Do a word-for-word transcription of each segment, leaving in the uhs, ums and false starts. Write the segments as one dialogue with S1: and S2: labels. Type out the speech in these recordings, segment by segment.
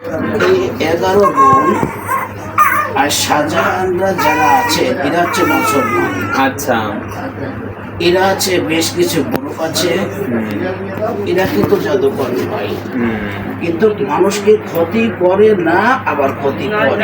S1: এই এগারো বোন আর শাহজাহানরা যারা আছে এরা হচ্ছে মুসলমান।
S2: আচ্ছা,
S1: এরা আছে বেশ কিছু গ্রুপ আছে, এরা কিন্তু জাদুকর নয়, কিন্তু মানুষকে ক্ষতি করে না, আবার ক্ষতি করে।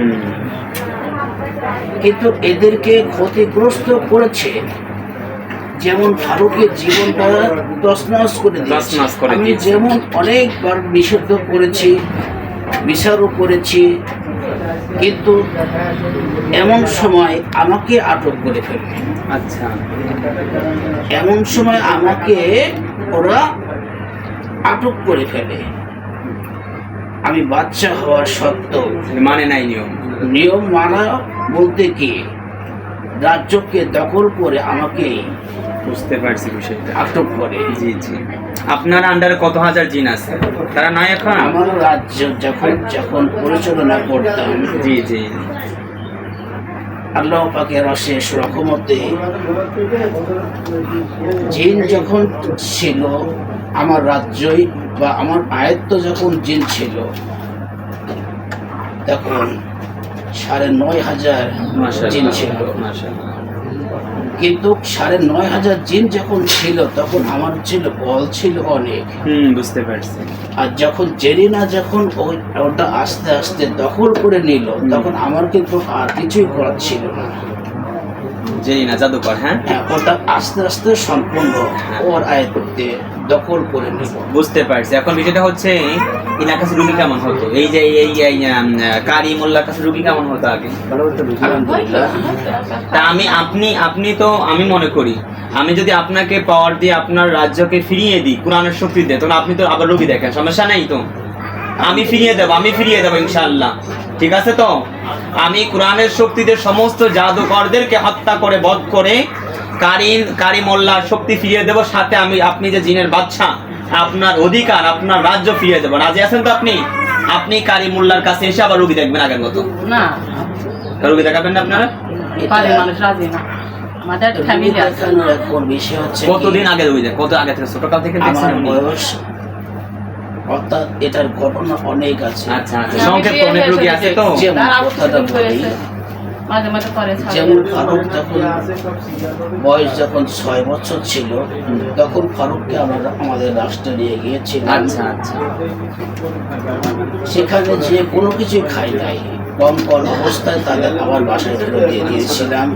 S1: কিন্তু এদেরকে ক্ষতিগ্রস্ত করেছে, যেমন ফারুকের জীবনটা তছনছ করে দিয়েছে। আমি যেমন অনেকবার নিষিদ্ধ করেছি, বিচারও করেছি, কিন্তু এমন সময় আমাকে আটক করে ফেলবে।
S2: আচ্ছা,
S1: এমন সময় আমাকে ওরা আটক করে ফেলে। আমি বাচ্চা হওয়ার সত্ত্বেও
S2: মানে নাই নিয়ম।
S1: নিয়ম মানা বলতে কি, রাজ্যকে দখল করে আমাকে
S2: বুঝতে পারছি বিষয়টা।
S1: আটক করে।
S2: জি জি। আপনার আন্ডারে কত হাজার জিন আছে? তারা নাই এখন?
S1: আমার রাজ্য যখন যখন পরিচালনা করতাম,
S2: জি জি,
S1: আল্লাহ পাকের অশেষ রহমতে জিন যখন ছিল আমার রাজ্যই বা আমার আয়ত্ত, যখন জিন ছিল তখন সাড়ে নয় হাজার জিন ছিল। কিন্তু সাড়ে নয় হাজার জিন যখন ছিল তখন আমার ছিল বল ছিল অনেক।
S2: হুম, বুঝতে পারছি।
S1: আর যখন জেরিনা যখন ওই ওটা আস্তে আস্তে দখল করে নিল, তখন আমার কিন্তু আর কিছুই করার ছিল না।
S2: জেরিনা জাদুকর, হ্যাঁ
S1: হ্যাঁ, ওটা আস্তে আস্তে সম্পূর্ণ ওর আয়ত্তে দখল করে নিল।
S2: বুঝতে পারছি। এখন বিষয়টা হচ্ছে, ইনার কাছে রুগী কেমন হতো? এই যে এই কারি মোল্লার কাছে রুগী কেমন হতো আগে?
S1: আলহামদুলিল্লাহ।
S2: তা আমি আপনি আপনি তো আমি মনে করি, আমি যদি আপনাকে পাওয়ার দিয়ে আপনার রাজ্যকে ফিরিয়ে দিই কোরআনের শক্তি দিয়ে, তখন আপনি তো আবার রোগী দেখেন, সমস্যা নেই তো? আমি ফিরিয়ে দেবো, আমি ফিরিয়ে দেবো ইনশাআল্লাহ। ঠিক আছে তো? আমি কোরআনের শক্তিতে সমস্ত জাদুকরদেরকে হত্যা করে বধ করে কারিন কারি মোল্লার শক্তি ফিরিয়ে দেবো, সাথে আমি আপনি যে জিনের বাদশা, আপনার অধিকার, আপনার রাজ্য ফিরিয়ে দেবো। রাজি আছেন তো আপনি? আপনি কারি মোল্লার কাছে এসে আবার রোগী দেখবেন আগের মতো?
S3: না,
S2: রোগী দেখাবেন না আপনারা?
S3: মানুষ রাজি না। আমাদের ফ্যামিলি আছে।
S1: বিষয় হচ্ছে
S2: কতদিন আগে রোগী দেখ? কত আগে থেকে? ছোটকাল থেকে
S1: আমার
S2: দেখছেন?
S1: বয়স, অর্থাৎ এটার ঘটনা অনেক আছে।
S2: আচ্ছা আচ্ছা, সংক্ষেপ অনেক রোগী আছে তো।
S1: যেমন কথাটা বলি,
S3: মাঝে মাঝে করে
S1: যেমন ফারুক যখন বয়স যখন ছয় বছর ছিল, তখন ফারুককে আমরা আমাদের রাষ্ট্রে নিয়ে গিয়েছিলাম।
S2: আচ্ছা আচ্ছা,
S1: সেখানে যে কোনো কিছু খাই নাই, কম কম অবস্থায় তাদের আবার বাসায় ফেরত দিয়ে দিয়েছিলাম।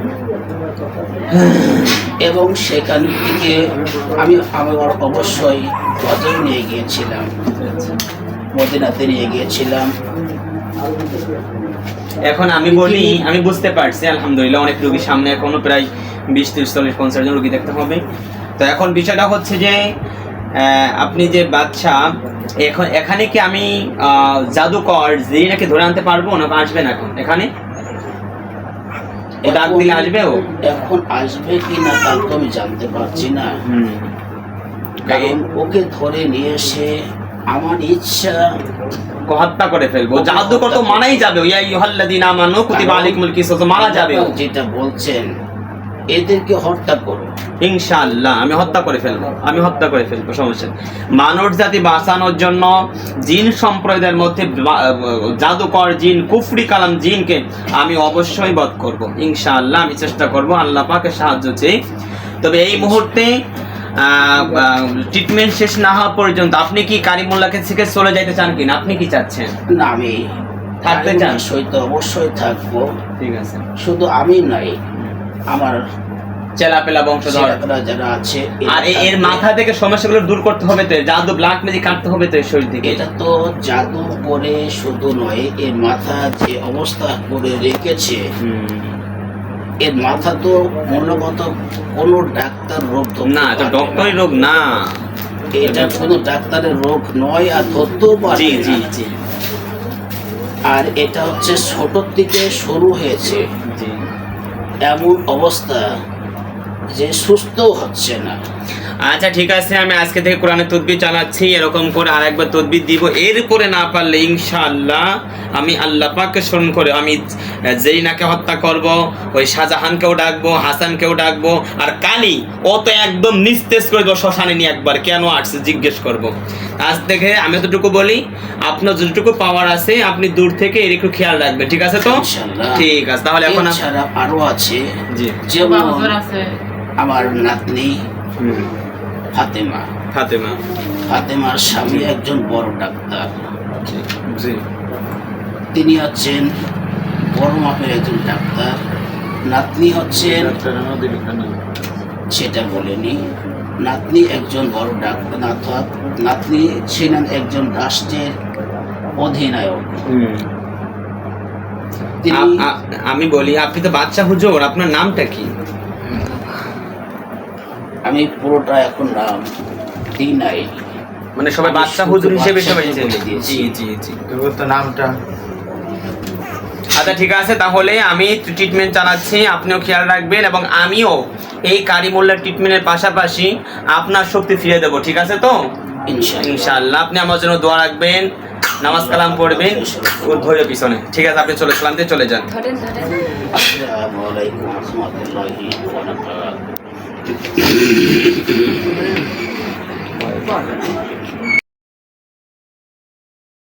S1: এবং সেখান থেকে আমি আমার অবশ্যই হজে নিয়ে গিয়েছিলাম, মদিনাতে নিয়ে গিয়েছিলাম।
S2: এখন আমি বলি, আমি বুঝতে পারছি আলহামদুলিল্লাহ, অনেক রোগীর সামনে এখনো প্রায় বিশ ত্রিশ চল্লিশ পঞ্চাশ জন রোগী দেখতে হবে। তো এখন বিষয়টা হচ্ছে যে আপনি যে বাচ্চা, এখন এখানে কি আমি জাদুকর জেরিনাকে ধরে আনতে পারবো না? আসবেন এখন এখানে? ডাক দিলে আসবে ও?
S1: এখন আসবে কি না তা তো আমি জানতে পারছি না, কারণ ওকে ধরে নিয়ে এসে আমার ইচ্ছা
S2: হত্যা করে ফেলবো। জাদুকর তো মানাই যাবে, ইয়া আইয়ুহাল্লাযীনা আমানু কুতিবা আলাইকুমুল কিসাস, মারা যাবে।
S1: যেটা বলছেন এদেরকে হত্যা করো,
S2: ইনশাআল্লাহ আমি হত্যা করে ফেলবো, আমি হত্যা করে ফেলবো, সমস্যা নেই। মানব জাতি বাঁচানোর জন্য জিন সম্প্রদায়ের মধ্যে জাদুকর জিন, কুফরি কালাম জিনকে আমি অবশ্যই বধ করব ইনশাআল্লাহ। আমি চেষ্টা করব, আল্লাহ পাকের সাহায্য চেয়ে। তবে এই মুহূর্তে ট্রিটমেন্ট শেষ না হওয়া পর্যন্ত আপনি কি কারিমুল্লাহকে থেকে চলে যাইতে চান কিনা? আপনি কি চাচ্ছেন?
S1: না, আমি
S2: থাকতে চান?
S1: সৈত অবশ্যই থাকবো।
S2: ঠিক আছে,
S1: শুধু আমি নাই, আমার
S2: চেলাপেলা বংশধর
S1: যারা আছে।
S2: আর এর মাথা থেকে সমস্যাগুলো দূর করতে হবে তো, জাদু ব্ল্যাক ম্যাজিক কাটতে হবে তো শরীর থেকে।
S1: এটা তো জাদু করে শুধু নয়, এর মাথা যে অবস্থা করে রেখেছে, এর মাথা তো মূলত কোনো ডাক্তার রোগ
S2: না, এটা ডক্টরি রোগ না,
S1: এটা কোনো ডাক্তারের রোগ নয়, আর ধরতেও পারে।
S2: জি জি জি।
S1: আর এটা হচ্ছে ছোট থেকে শুরু হয়েছে, এমন অবস্থা যে সুস্থ হচ্ছে না।
S2: আচ্ছা ঠিক আছে, আমি আজকে থেকে কোরআনের তদবির চালাচ্ছি, এরকম করে আরেকবার তদবির দিব। এরপরে না পারলে ইনশাআল্লাহ আমি আল্লাহ পাককে স্মরণ করে আমি জেরিনাকে হত্যা করব, ওই শাহজাহানকেও ডাকবো, হাসানকেও ডাকবো, আর কালি ও তো একদম নিস্তেজ করে দেবো শ্মশানে নিয়ে, একবার কেন আসছে জিজ্ঞেস করব। আজ থেকে আমি যতটুকু বলি, আপনার যতটুকু পাওয়ার আছে আপনি দূর থেকে এর একটু খেয়াল রাখবেন, ঠিক আছে তো?
S1: ইনশাআল্লাহ।
S2: ঠিক আছে, তাহলে এখন আপ-
S1: এছাড়া আরো আছে,
S2: জি
S1: যেমন
S3: হুজুর আছে
S1: আমার নাতনি
S2: হুম,
S1: ফাতেমা।
S2: ফাতেমা,
S1: ফাতেমার স্বামী একজন বড় ডাক্তার,
S2: জি জি
S1: তিনি হচ্ছেন বড় মাপের একজন ডাক্তার। নাতনি হচ্ছেন, সেটা বলেনি, নাতনি একজন বড় ডাক্তার, নাত- নাতনি ছিলেন একজন রাষ্ট্রের অধিনায়ক।
S2: হুম।
S1: তিনি
S2: আ- আ- আমি বলি, আপনি তো বাচ্চা হুজুর, আপনার নামটা কি?
S1: আমি পুরোটা এখন নাম দিই নাই,
S2: মানে সবাই
S1: আমি
S2: বাচ্চা
S1: শুধু
S2: হুজুর হিসেবে সবাই
S1: বাচ্চাকে
S2: চেনে।
S1: বলে দিয়েছি।
S2: জি জি জি।
S4: তোর তো নামটা
S2: আচ্ছা ঠিক আছে, তাহলে আমি ট্রিটমেন্ট চালাচ্ছি, আপনিও খেয়াল রাখবেন, এবং আমিও এই কারিমুল্লার ট্রিটমেন্টের পাশাপাশি আপনার শক্তি ফিরে দেবো, ঠিক আছে তো?
S1: ইনশাআল্লাহ।
S2: ইনশাআল্লাহ। আপনি আমার জন্য দোয়া রাখবেন, নামাজ কালাম পড়বেন, ও ধরে পিছনে, ঠিক আছে? আপনি চলে সালাম দিয়ে চলে যান।
S1: আসসালামু আলাইকুম ওয়া রাহমাতুল্লাহি ওয়া বারাকাতুহু।